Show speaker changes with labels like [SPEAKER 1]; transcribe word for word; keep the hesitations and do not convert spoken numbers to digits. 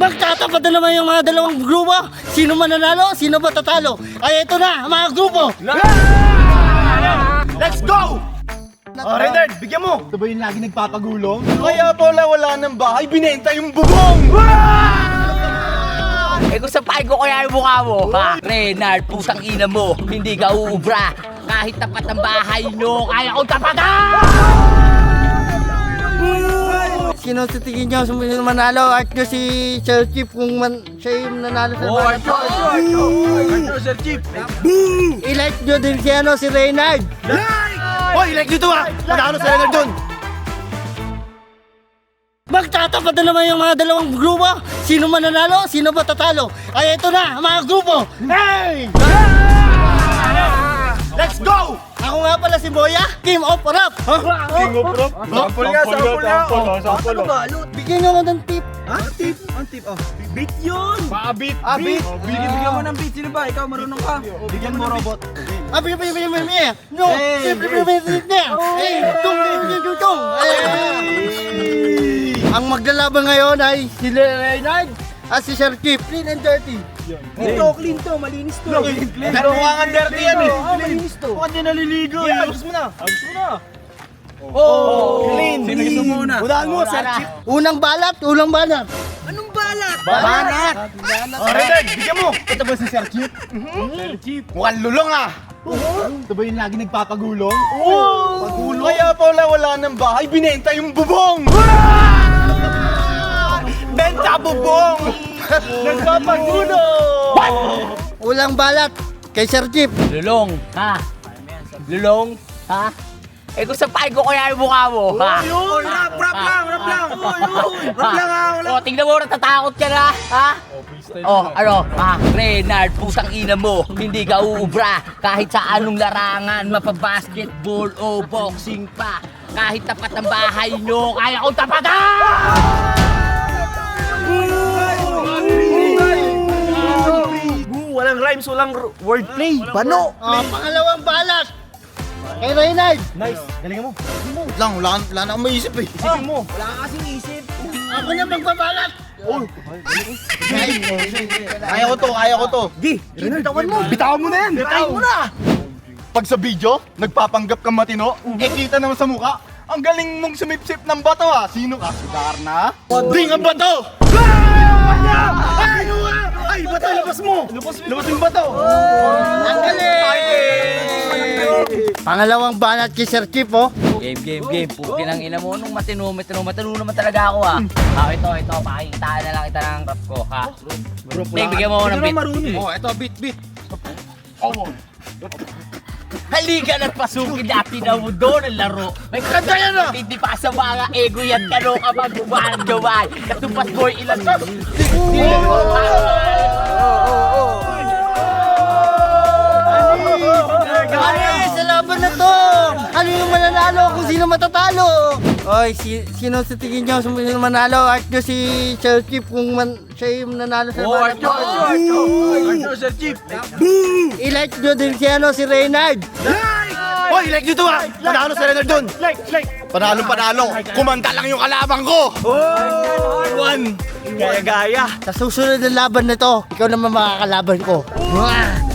[SPEAKER 1] Magtatapat na naman yung mga dalawang grupo. Sino mananalo, sino ba tatalo? Ay, ito na, mga grupo.
[SPEAKER 2] Let's go! Oh, Renard, bigyan mo! Ito ba yung lagi nagpapagulong? Kaya pala wala ng bahay, binenta yung bubong!
[SPEAKER 3] Eh kung sapain ko kaya yung mukha mo, ha? Renard, pusang ina mo, hindi ka uubra. Kahit tapat ang bahay nyo, kaya kong tapatan!
[SPEAKER 1] Sino sa tingin nyo sino manalo? At nyo si Sir Chief kung man, siya yung nanalo sa
[SPEAKER 3] Oh,
[SPEAKER 1] bata.
[SPEAKER 2] Ito, Sir Chief!
[SPEAKER 1] I-like nyo din si, ano, si Reynard.
[SPEAKER 2] Hoy, like dito ah! Magkano sa Renard dun?
[SPEAKER 1] Magtatapat na naman yung mga dalawang grupo. Sino mananalo, sino ba tatalo? Ay, ito na, mga grupo. Hey!
[SPEAKER 2] Let's go!
[SPEAKER 1] Ako nga pala si Boya, King of Rap.
[SPEAKER 2] King of Rock? Sample nga, sample nga! Sample nga!
[SPEAKER 1] Bigyan nyo ako ng tip.
[SPEAKER 2] Ha? Tip? Ang tip? Oh. Beat yun! Baka beat! Ah, beat! Bigyan mo ng beat. Sino ba? Ikaw marunong ka? Bigyan mo robot.
[SPEAKER 1] Ah, bigyan, bigyan, bigyan, bigyan, bigyan. No, siyempre, bigyan, bigyan, bigyan. Hey, tung, tung, tung, tung, tung. Hey! Ang maglalaban ngayon ay si Reynard at si Sir Chief. Clean and dirty.
[SPEAKER 2] Ito, clean to, malinis to. Clean, clean. Pero mukhang dirty yan eh. Malinis to. Mukhang din naliligo eh. Ayos mo na. Ayos mo na. Oh, clean. Sino gusto muna? Unahan mo, Sir Chief.
[SPEAKER 1] Unang balat, unang balat.
[SPEAKER 2] Anong balat?
[SPEAKER 1] Balat.
[SPEAKER 2] Oh, Renard, bigyan mo. Ito ba si Sir Chief? Sir Chief. Mukhang lulong ah. Ito ba yung lagi nagpapagulong? Oo! Pagulong? Kaya pala wala ng bahay, binenta yung bubong! Benta bubong! Nagpapagulong!
[SPEAKER 1] Unang balat kay Sir Chief.
[SPEAKER 3] Lulong, ha? Lulong, ha? Eh kung sapain ko kaya yung mukha mo, ha?
[SPEAKER 2] Oh, rap, rap lang, rap lang! Rap lang ah, wala!
[SPEAKER 3] Oh, tingnan mo, natatakot ka na, ha? Oh, ano, ha? Renard, pusang ina mo, hindi ka uubra. Kahit sa anong larangan, mapabasketball o boxing pa. Kahit tapat ang bahay nyo, kaya kong tapatan!
[SPEAKER 2] Walang rhymes, walang wordplay. Bano?
[SPEAKER 1] Oh, pangalawang balat kay Reynard.
[SPEAKER 2] Nice, galingan mo. Lang, wala, wala na akong maisip eh. Isipin mo. Wala ka kasing isip.
[SPEAKER 1] Ako na magbabalat.
[SPEAKER 2] Oh. Kaya ko to, kaya ko to. Di, bitawan mo. Bitawan mo na yan. Bitawan mo na. Pag sa video, nagpapanggap kang matino, eh kita naman sa mukha, ang galing mong sumipsip ng bato ah. Sino ka? Si Darna? Ding ang bato! Ay! Ay, bato, labas mo! Labas mo yung bato!
[SPEAKER 1] Ang galing! Pangalawang balat kay Sir Chief, oh.
[SPEAKER 3] Game, game, game. Pukin ang ina mo. Nung matino, matino, matino naman talaga ako, ha? Ah, ito, ito. Pakikitaan na lang kita ng rap ko, ha? Ding, bigyan mo ako ng beat.
[SPEAKER 2] Oh, eto, beat, beat.
[SPEAKER 3] Halika na't pasukin natin na mo doon ang laro. May kanta yan ah! Hindi pa sa mga ego yan. Kano ka magbubahan gaway. Katupas mo yung ilan.
[SPEAKER 1] Ay, sa laban na to! Ano yung mananalo kung sino matatalo? Oy, si, sino sa tingin nyo sino manalo? At nyo si Sir Chief kung man, siya yung nanalo sa
[SPEAKER 3] Oh,
[SPEAKER 1] balat.
[SPEAKER 2] Ito, Sir Chief.
[SPEAKER 1] I-like nyo din si, ano, si Reynard.
[SPEAKER 2] Hoy, like dito ah! Panalo sa Renard dun! Like, like! Panalo, panalo! Kumanta lang yung kalabang ko! Oh! One! Gaya-gaya!
[SPEAKER 1] Sa susunod na laban na to, ikaw naman makakalaban ko. Mwah!